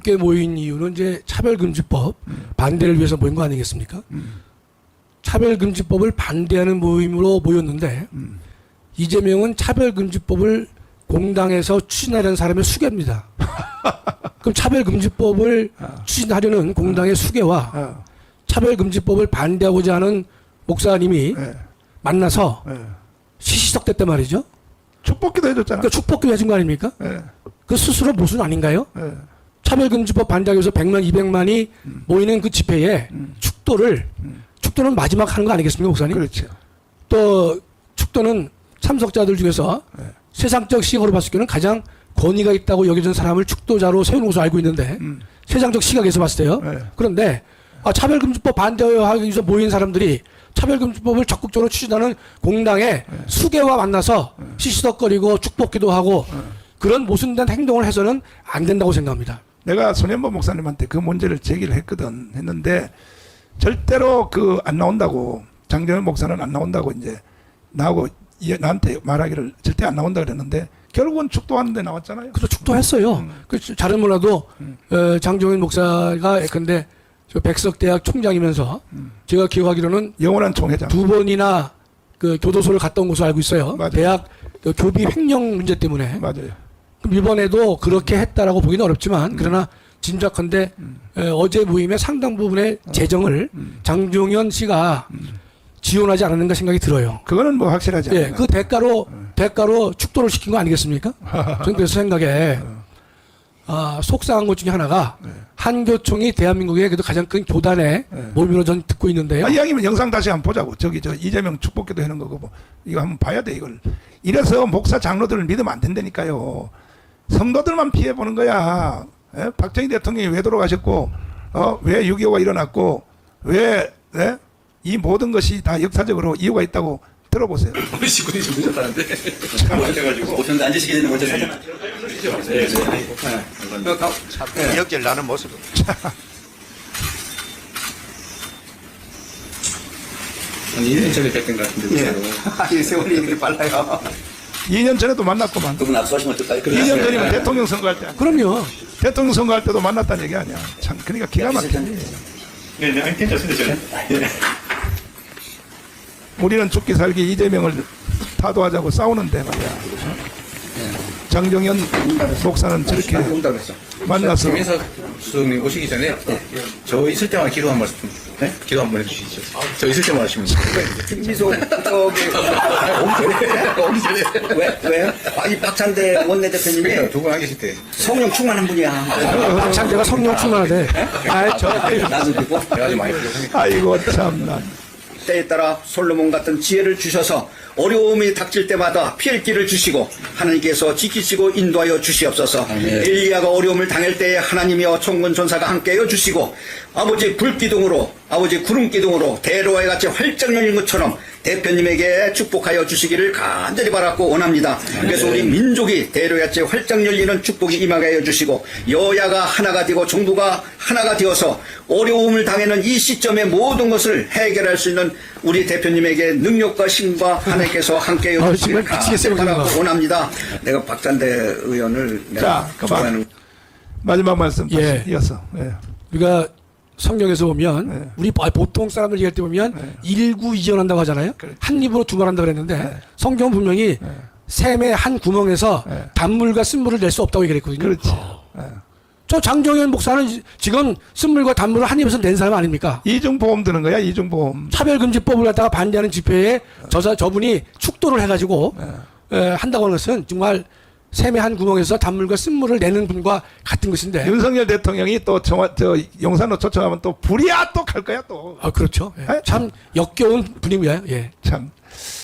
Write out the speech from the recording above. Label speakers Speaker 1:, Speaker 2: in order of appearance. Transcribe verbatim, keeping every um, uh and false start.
Speaker 1: 함께 모인 이유는 이제 차별금지법
Speaker 2: 음.
Speaker 1: 반대를 위해서 모인 거 아니겠습니까?
Speaker 2: 음.
Speaker 1: 차별금지법을 반대하는 모임으로 모였는데
Speaker 2: 음.
Speaker 1: 이재명은 차별금지법을 공당에서 추진하려는 사람의 수괴입니다. 그럼 차별금지법을
Speaker 2: 아.
Speaker 1: 추진하려는 공당의 수괴와
Speaker 2: 어.
Speaker 1: 차별금지법을 반대하고자 하는 목사님이
Speaker 2: 예.
Speaker 1: 만나서
Speaker 2: 예.
Speaker 1: 시시석댔단 말이죠.
Speaker 2: 축복기도 해줬잖아.
Speaker 1: 그러니까 축복기도 해준 거 아닙니까?
Speaker 2: 예.
Speaker 1: 그 스스로 모순 아닌가요?
Speaker 2: 예.
Speaker 1: 차별금지법 반대하기 위해서 백만, 이백만이
Speaker 2: 음.
Speaker 1: 모이는 그 집회에
Speaker 2: 음.
Speaker 1: 축도를,
Speaker 2: 음.
Speaker 1: 축도는 마지막 하는 거 아니겠습니까, 목사님?
Speaker 2: 그렇죠.
Speaker 1: 또 축도는 참석자들 중에서
Speaker 2: 네.
Speaker 1: 세상적 시각으로 봤을 때는 가장 권위가 있다고 여겨진 사람을 축도자로 세우는 것으로 알고 있는데
Speaker 2: 음.
Speaker 1: 세상적 시각에서 봤을 때요.
Speaker 2: 네.
Speaker 1: 그런데 아, 차별금지법 반대하기 위해서 모인 사람들이 차별금지법을 적극적으로 추진하는 공당의
Speaker 2: 네.
Speaker 1: 수괴와 만나서
Speaker 2: 네.
Speaker 1: 시시덕거리고 축복기도 하고
Speaker 2: 네.
Speaker 1: 그런 모순된 행동을 해서는 안 된다고 생각합니다.
Speaker 2: 내가 손현보 목사님한테 그 문제를 제기를 했거든. 했는데 절대로 그 안 나온다고, 장정현 목사는 안 나온다고 이제 나하고 이- 나한테 말하기를 절대 안 나온다 그랬는데 결국은 축도하는데 나왔잖아요.
Speaker 1: 그래서 축도했어요.
Speaker 2: 음.
Speaker 1: 그 잘은 몰라도
Speaker 2: 음.
Speaker 1: 어, 장종인 목사가 근데 저 백석대학 총장이면서
Speaker 2: 음.
Speaker 1: 제가 기억하기로는
Speaker 2: 영원한 총회장.
Speaker 1: 두 번이나 그 교도소를 갔다 온 것으로 알고 있어요.
Speaker 2: 맞아요.
Speaker 1: 대학 그 교비 횡령 문제 때문에.
Speaker 2: 맞아요.
Speaker 1: 그럼 이번에도 그렇게 했다라고 보기는 어렵지만
Speaker 2: 음.
Speaker 1: 그러나 짐작컨대
Speaker 2: 음.
Speaker 1: 에, 어제 모임의 상당 부분의 재정을
Speaker 2: 음.
Speaker 1: 장종현 씨가
Speaker 2: 음.
Speaker 1: 지원하지 않았는가 생각이 들어요.
Speaker 2: 그거는 뭐 확실하지 않아요.
Speaker 1: 예, 그 대가로
Speaker 2: 음.
Speaker 1: 대가로 축도를 시킨 거 아니겠습니까? 저는 그래서 생각에 아, 속상한 것 중에 하나가
Speaker 2: 네.
Speaker 1: 한교총이 대한민국의 그래도 가장 큰 교단의
Speaker 2: 네.
Speaker 1: 모임으로 전 듣고 있는데요.
Speaker 2: 아, 이왕이면 영상 다시 한번 보자고. 저기 저 이재명 축복기도 하는 거고 뭐 이거 한번 봐야 돼 이걸. 이래서 목사 장로들을 믿으면 안 된다니까요. 성도들만 피해 보는 거야. 예? 박정희 대통령이 왜 돌아가셨고, 어, 왜 육이오가 일어났고, 왜 예? 이 모든 것이 다 역사적으로 이유가 있다고 들어보세요.
Speaker 3: 우리 식구들이 좀 늦었다는데 잘못해가지고
Speaker 4: 오셨는데 앉으시게 되는 거죠? 사진?
Speaker 3: 네, 네.
Speaker 4: 네. 역질 나는 모습.
Speaker 3: 한 이 년 전에 뵀던 것 같은데
Speaker 4: 예.
Speaker 3: 진짜로.
Speaker 4: 이 세월이 이렇게 빨라요.
Speaker 2: 이 년 전에도 만났구만.
Speaker 4: 그분 압수하시면 어떨까요?
Speaker 2: 이 년 전이면 대통령 선거할 때.
Speaker 1: 그럼요.
Speaker 2: 대통령 선거할 때도 만났다는 얘기 아니야. 참, 그러니까 기가 막히네.
Speaker 3: 네, 네, 아니, 괜찮습니다 저는. 예.
Speaker 2: 우리는 죽기 살기 이재명을 타도하자고 싸우는데 말이야. 장정현 목사는 저렇게
Speaker 4: 용답했어.
Speaker 2: 만나서
Speaker 3: 김인석 수석님 오시기 전에 저 있을 때만 기도 한 말씀, 네? 기도 한 번 해주시죠. 저 있을 때만 하시면 돼요.
Speaker 4: 김미소 저기
Speaker 3: 오기 전에
Speaker 4: 왜 왜요? 아, 이 박찬대 원내대표님이
Speaker 3: 두 분 안 계실 때
Speaker 4: 성령 충만한 분이야.
Speaker 1: 박찬대가 성령 충만하대. 아, 저
Speaker 4: 나도 듣고
Speaker 3: 제가 좀 많이 부족하니까.
Speaker 2: 아이고 참나.
Speaker 4: 때에 따라 솔로몬 같은 지혜를 주셔서 어려움이 닥칠 때마다 피할 길을 주시고 하나님께서 지키시고 인도하여 주시옵소서. 엘리야가 어려움을 당할 때에 하나님이여 총군 전사가 함께하여 주시고 아버지 불기둥으로 아버지 구름기둥으로 대로와 같이 활짝 열린 것처럼 대표님에게 축복하여 주시기를 간절히 바랐고 원합니다. 그래서 우리 민족이 대로같이 활짝 열리는 축복이 임하게 하여 주시고 여야가 하나가 되고 정부가 하나가 되어서 어려움을 당하는 이 시점에 모든 것을 해결할 수 있는 우리 대표님에게 능력과 힘과 하나님께서 함께하여
Speaker 1: 아,
Speaker 4: 주시기를
Speaker 1: 정말 미치겠어요,
Speaker 4: 간절히 바라고
Speaker 1: 그거.
Speaker 4: 원합니다. 내가 박찬대 의원을
Speaker 2: 자,
Speaker 4: 내가
Speaker 2: 그만.
Speaker 4: 좋아하는
Speaker 2: 마지막 말씀 다시
Speaker 1: 예.
Speaker 2: 이어서. 예.
Speaker 1: 우리가 성경에서 보면
Speaker 2: 네.
Speaker 1: 우리 아, 보통 사람들 얘기할 때 보면
Speaker 2: 네.
Speaker 1: 일구 이전한다고 하잖아요.
Speaker 2: 그렇죠.
Speaker 1: 한 입으로 두 말 한다 그랬는데
Speaker 2: 네.
Speaker 1: 성경은 분명히
Speaker 2: 네.
Speaker 1: 샘의 한 구멍에서
Speaker 2: 네.
Speaker 1: 단물과 쓴물을 낼 수 없다고 얘기했거든요.
Speaker 2: 그렇지. 예.
Speaker 1: 저 장정현 목사는 지- 지금 쓴물과 단물을 한 입에서 낸 사람 아닙니까?
Speaker 2: 이중보험 드는 거야, 이중보험.
Speaker 1: 차별금지법을 갖다가 반대하는 집회에 저, 저분이 축도를 해가지고
Speaker 2: 네.
Speaker 1: 에, 한다고 하는 것은 정말 샘의 한 구멍에서 단물과 쓴물을 내는 분과 같은 것인데.
Speaker 2: 윤석열 대통령이 또 정화, 저 용산로 초청하면 또 불이야 또 갈 거야 또.
Speaker 1: 아, 그렇죠. 예.
Speaker 2: 에?
Speaker 1: 참 역겨운 분위기야. 예.
Speaker 2: 참.